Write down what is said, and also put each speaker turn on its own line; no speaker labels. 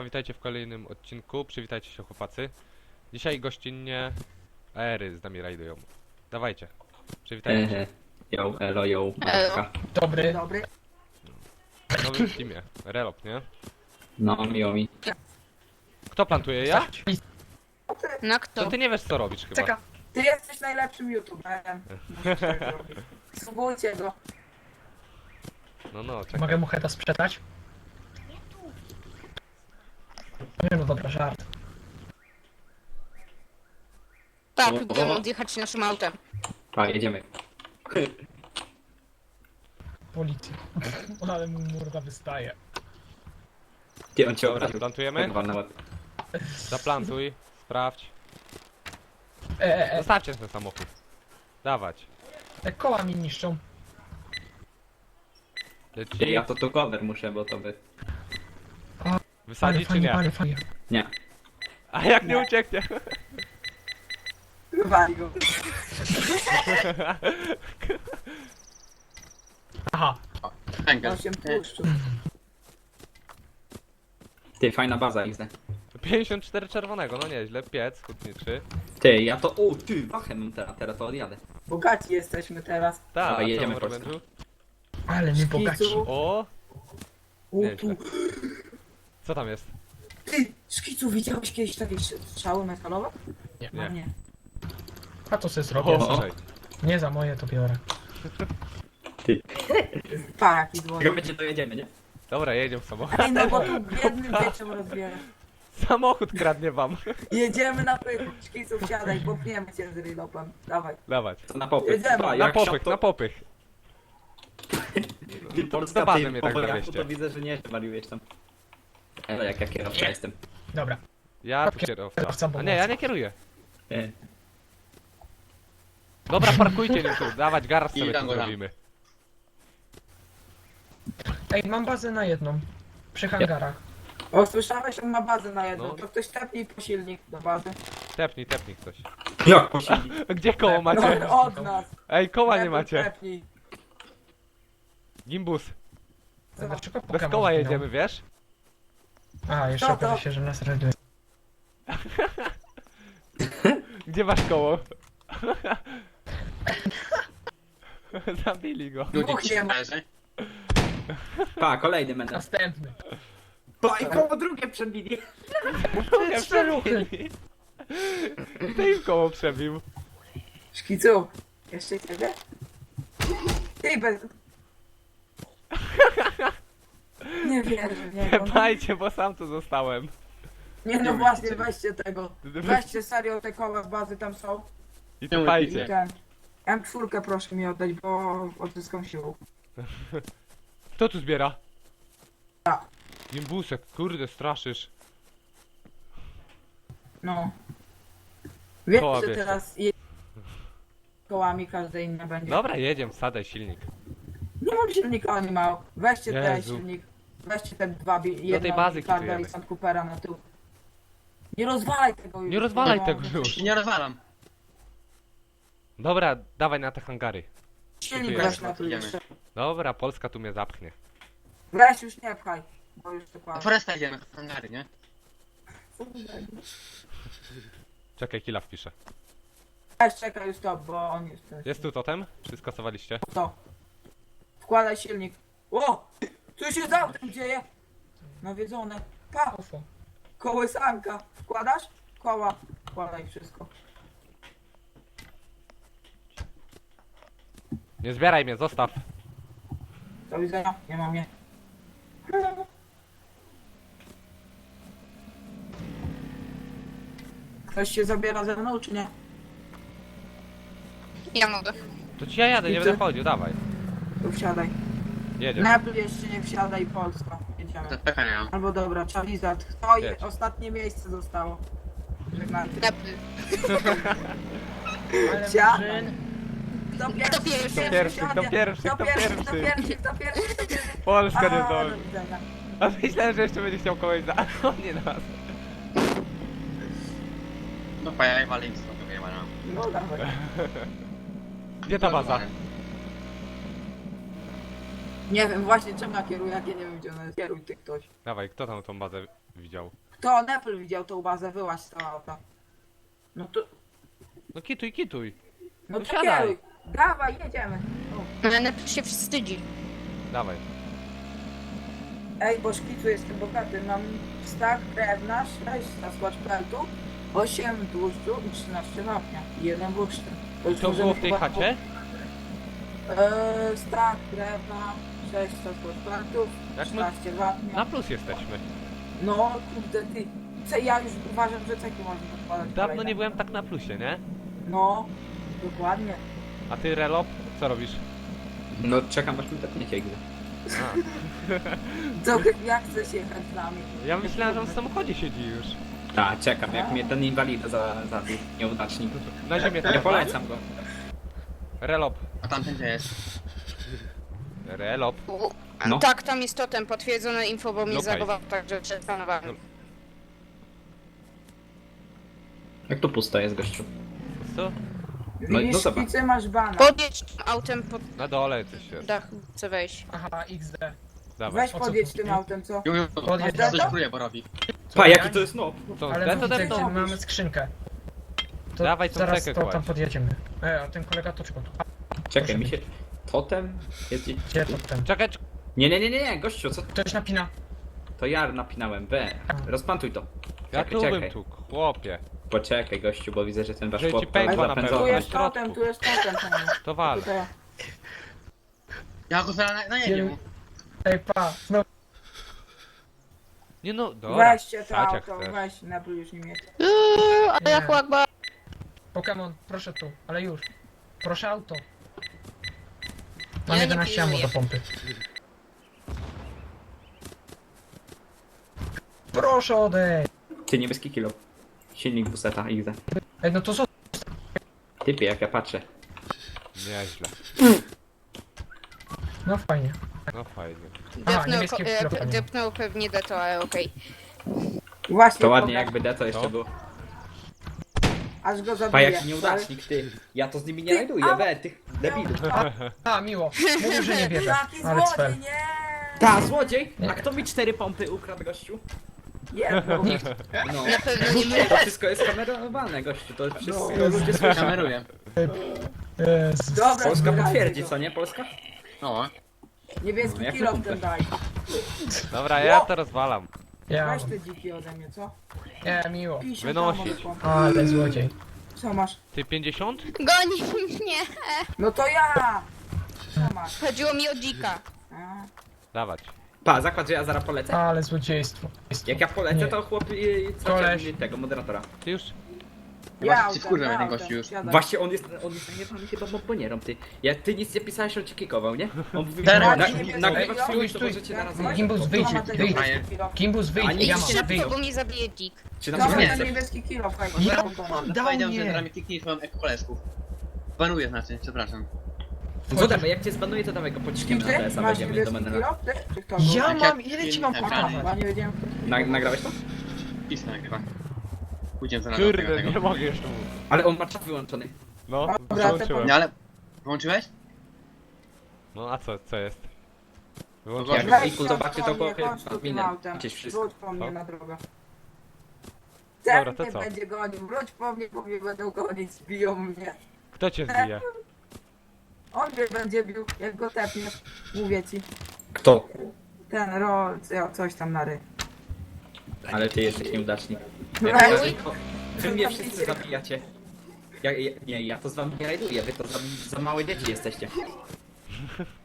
Siema, witajcie w kolejnym odcinku. Przywitajcie się, chłopacy. Dzisiaj gościnnie Aery z nami rajdują. Dawajcie, przywitajcie się.
Yo, elo, yo,
Elo.
Marka.
Dobry.
W nowym teamie. Relop, nie?
No, miło mi.
Kto plantuje? Ja?
No
To
kto?
ty nie wiesz, co robisz chyba.
Czeka, ty jesteś najlepszym youtuberem. Subujcie go.
No, czekaj.
Mogę mu heta sprzedać? Nie no dobra, żart.
Tak, próbujemy odjechać naszym autem.
A, jedziemy.
Policja. Ale mu morda wystaje.
Ty, on cię
Dobra,
obraził.
plantujemy?
Tak na łeb.
Zaplantuj, sprawdź.
E,
Zostawcie ten samochód. Dawać.
te koła mi niszczą.
Ty,
Leci.
ja to cover muszę, bo to by...
Wysadzi czy nie?
Fajnie.
Nie.
A jak nie ucieknie?
Wywali go.
Aha.
On się puszczył.
Ty, fajna baza XD.
54 czerwonego, no nieźle. Piec hutniczy.
Ty, ja to... O, ty, wachę mam teraz to odjadę.
Bogaci jesteśmy teraz.
Tak,
Dawaj,
a co
jedziemy,
w
Polska.
Orange'u?
Ale nie bogaci.
Szkicu.
O!
U,
Nieźle.
tu.
Co tam jest?
Ty, Szkicu, widziałeś kiedyś takie strzały metalowe?
Nie.
No nie.
A to sobie zrobię.
O.
Słuchaj.
Nie za moje to biorę.
Ty.
Pa, jaki dzwonek.
Jak będzie, to jedziemy, nie?
Dobra, jedziemy w samochód.
Ej, no bo tu biednym dzieciom rozbiera.
Samochód kradnie wam.
Jedziemy na pyk. Szkicu, wsiadaj, popniemy cię z rylopem. Dawaj.
Dawać.
To na popych.
Jedziemy.
A,
Na
jak
popych,
to...
na popych.
Ty,
Do
Polska,
bazy
ty,
mnie
po
tak
Polsku
zawieźcie.
to widzę, że nie wariujesz tam. Elo, jak ja kierowca jestem.
Dobra.
Ja tu kierowca.
Kierowca
A nie, ja nie kieruję.
E,
Dobra, parkujcie nim tu. Dawać garaż sobie tu zrobimy.
Ej, mam bazę na jedną. Przy hangarach.
O, słyszałeś, on ma bazę na jedną.
No.
To ktoś tepnij po silnik do bazy.
Tepnij ktoś.
Jak posili?
Gdzie koło macie?
No, od nas.
Ej, koła nie
Tepnij,
macie.
tepnij.
Gimbus.
Dlaczego
Bez
Pokémon
koła
zginął?
jedziemy, wiesz?
A, jeszcze
To, to.
okaże się, że nas rajduje.
Gdzie masz koło? Zabili go.
Dwóch nie ma.
Pa, kolejny będę.
Następny.
Pa, i koło drugie przebili.
Trzy ruchy.
I to im koło przebił.
Szkicu, jeszcze ciebie? Ty bez... Nie wierzę, nie.
Tepajcie, bo sam tu zostałem.
Nie no właśnie, weźcie tego. Weźcie serio te koła z bazy tam są.
I
I
tepajcie.
ten. M4 proszę mi oddać, bo odzyskam siłę.
Kto tu zbiera?
Ja.
Gimbusek, kurde, straszysz.
No. Wiesz,
Koła
że
bierzcie.
teraz kołami każde inne będzie.
Dobra, jedziemy, wsadaj silnik.
Nie mam silnika, nie ma. Weźcie ten
Jezu.
silnik. Weźcie te dwa, jedno
tej bazy
Carga
kitujemy.
i Sand Coopera na tył. Nie rozwalaj tego już.
Nie rozwalaj
No,
tego już.
Nie rozwalam.
Dobra, dawaj na te hangary.
Silnik
Kitujemy.
weź na tył
Idziemy.
jeszcze.
Dobra, Polska tu mnie zapchnie.
Weź już nie pchaj, bo już to
Do
kłamie.
Foresta idziemy, hangary, nie?
Czekaj, killa wpiszę.
Weź czekaj już stop, bo on jest ten.
Jest tu totem? Czy skasowaliście?
To. Wkładaj silnik. O! Co się z autem dzieje? Nawiedzone. Pa!
UFO.
Kołysanka. Wkładasz? Koła. Wkładaj wszystko.
Nie zbieraj mnie, zostaw.
Do widzenia. Nie mam je. Ktoś się zabiera ze mną, czy nie?
Ja mogę.
To ci ja jadę, nie
I ty?
będę chodził, dawaj.
To wsiadaj.
Jedziesz.
Napl jeszcze nie wsiadaj, Polska. Jedziemy.
To pecha nie mam.
Albo dobra, Charizard. To
Jedź.
ostatnie miejsce zostało. Żegnajcie.
Napy.
Ale
Wsiadaj.
murzyn.
Kto
Kto pierwszy?
Kto pierwszy,
Kto
kto
pierwszy,
pierwszy?
kto pierwszy, kto pierwszy, kto pierwszy.
Polska nie
A,
zdąży.
do widzenia.
A myślałem, że jeszcze będzie chciał kogoś za... O nie nas.
No pajaj, walę im stąd, to wyjebana.
No dawaj.
Gdzie ta baza?
Nie wiem właśnie czemu ja kieruję, jak ja nie wiem gdzie ona jest. Kieruj ty ktoś.
Dawaj, kto tam tą bazę widział.
Kto Nepal widział tą bazę, wyłaź z tego auta. No to,
No kituj, kituj.
no
No
to
siadaj.
kieruj. Dawaj, jedziemy. O.
Ale Nepal się wstydzi.
Dawaj.
Ej, bo szkicu jestem bogaty, mam stack drewna, 6 skład peltu, 8 tłuszczu i 13 wapnia. I 1 bursztyn.
I to było w tej chacie?
Stack drewna, 6 skład peltów,
Jak my
13 wapnia.
na plus jesteśmy.
No kurde ty, ja już uważam, że ceki można podkładać.
Dawno
kolejne.
nie byłem tak na plusie, nie?
No, dokładnie.
A ty, Relop, co robisz?
No czekam aż mi tepniecie gdy.
A,
Co, jak chcesz jechać z nami?
ja myślałem, że on w samochodzie siedzi już.
Tak, czekam, jak mnie ten inwalida zabił, nieudacznik.
Na ziemię
Nie
teraz.
polecam go.
Relop.
A tamten gdzie jest?
Relop.
No.
Tak, tam jest totem, potwierdzone info, bo mnie
Okej.
zagował, także przestanowałem.
Jak to pusto jest, gościu?
Co?
No,
Widzisz,
no zobacz.
szkicy masz bana.
Podjedź tym autem pod
Na dole coś jest.
dach, chcę wejść.
Aha, XD.
Dawaj.
Weź podjedź tym autem, co?
Ju,
Podjedź
coś
to?
próbuję, bo robi.
Pa, jaki to jest no?
To
Ale
to
widzę,
depnął.
gdzie mamy skrzynkę. To
Dawaj tą
zaraz
cekę
to tam
kładź.
podjedziemy. A ten kolega toczko.
Czekaj, mi się... Totem? Jest gdzieś...
Gdzie to ten?
Czekaj,
Nie, gościu, co?
Ktoś napina.
To ja napinałem, rozpantuj to.
ja
Czekaj,
tu bym
czekaj.
tu, chłopie.
Poczekaj, gościu, bo widzę, że ten wasz
Że ci
chłop
pękło na
napędzony.
pewno.
Tu
na
jest totem,
środku.
tu jest totem. panie.
To wal.
Tutaj.
Ja go zaraz najedzie mu.
Ej, pa, znowu.
Nie no, dobra.
Weźcie to
Stać jak
auto,
chcesz.
weź, Nepal już nie mieć.
Ale jak łakba.
Pokémon, proszę tu, ale już. Proszę auto. Mam
Ja nie
11 ammo
pilnuję.
do pompy. Proszę odejść.
Ty, niebieski kilo. Silnik buseta, XD.
Ej, no to co?
Typie, jak ja patrzę.
Nieźle.
No fajnie.
No fajnie.
Aha,
Depnął,
niebieskie kilo.
depnął pewnie deto, ale okej.
Właśnie,
To ładnie,
pokaż,
jakby Deto jeszcze
Co?
było.
aż go
Pa,
zabiję.
jaki nieudacznik, ty. Ja to z nimi nie
Ty,
rajduję,
a-
tych debilów.
A, miło. Mówił, że nie bierze.
Taki
Ale
złodziej,
cfel.
nie!
Ta, złodziej! A kto mi 4 pompy ukradł, gościu?
Jedną.
No.
Na pewno nie my.
To wszystko jest kamerowane, gościu, to wszystko
No.
ludzie słyszą.
Kameruję.
Jezus.
Dobra,
Polska
zbierajcie
potwierdzi,
go.
co nie, Polska?
No.
Niebieski
No, jak
kilo w
kumpel.
tym daj.
Dobra, ja to rozwalam.
Ja.
Weź te dziki ode mnie, co?
Nie, miło.
50
Wynosić.
tam mogę.
Ale złodziej.
Co masz?
Ty 50?
Goni mnie.
No to ja! Co masz?
Chodziło mi o dzika.
A,
Dawać.
Pa, zakład, że ja zaraz polecę.
Ale złodziejstwo.
Jak ja polecę,
Nie.
to chłop
Koleś.
tego moderatora.
Ty już?
Chyba
ja
się wkurwia ten gościu już.
siadaj.
Właśnie on jest najebany chyba bombonierą, ty. Ty nic nie pisałeś, on cię kikował, nie? On mówi,
Teraz.
nagrywać
Ej,
filmik,
stój,
to
stój.
możecie naraz
Weź,
Gimbus,
to
wyjdź,
ma ten
wyjdź.
niebieski kilo.
Gimbus,
A
wyjdź,
nie,
ja
Idź
mam,
szybko,
wyjdź.
bo mnie zabije dzik.
Czy nam
Dobra,
nie
ten
chce?
niebieski kilo, fajnie.
Ja-
Powiedział,
Dał
że
mnie.
zaraz mi kliknij swoją koleżków. Banuję znaczy, przepraszam.
Co damy, jak cię zbanuję, to dawaj go pociśniemy na
Ty
TS-a,
masz
będziemy do
niebieski
menela.
kilo? Ty? Czy kto?
Ja
Jak
mam,
ja-
ile ci mam
Tak,
pokazać?
Chyba nie wiedziałem.
Nagrałeś to?
Pismo nagrywa. Pójdziemy zaraz do tego,
Kurde,
tego.
nie mogę jeszcze mówić.
Ale on ma czat wyłączony.
No,
Dobra,
wyłączyłem.
No ale... Włączyłeś?
No a co jest?
Jak
Wyłączyłem.
Weź
Wiku
się
zobaczy, to
po mnie,
chłopie
chodź tu tym
minę.
autem.
Gdzieś wszystko.
Wróć po mnie
Co?
na drogę.
Dobra,
Ten
to
mnie
co?
będzie gonił. Wróć po mnie, bo mnie będą gonić. Zbiją mnie.
Kto cię zbije?
On mnie będzie bił, jak go tepniesz. Mówię ci.
Kto?
Ten coś tam na ry.
Ale ty jesteś nieudacznik.
Weź.
Wy mnie wszyscy zabijacie. Ja to z wami nie rajduję, wy to za małe dzieci jesteście.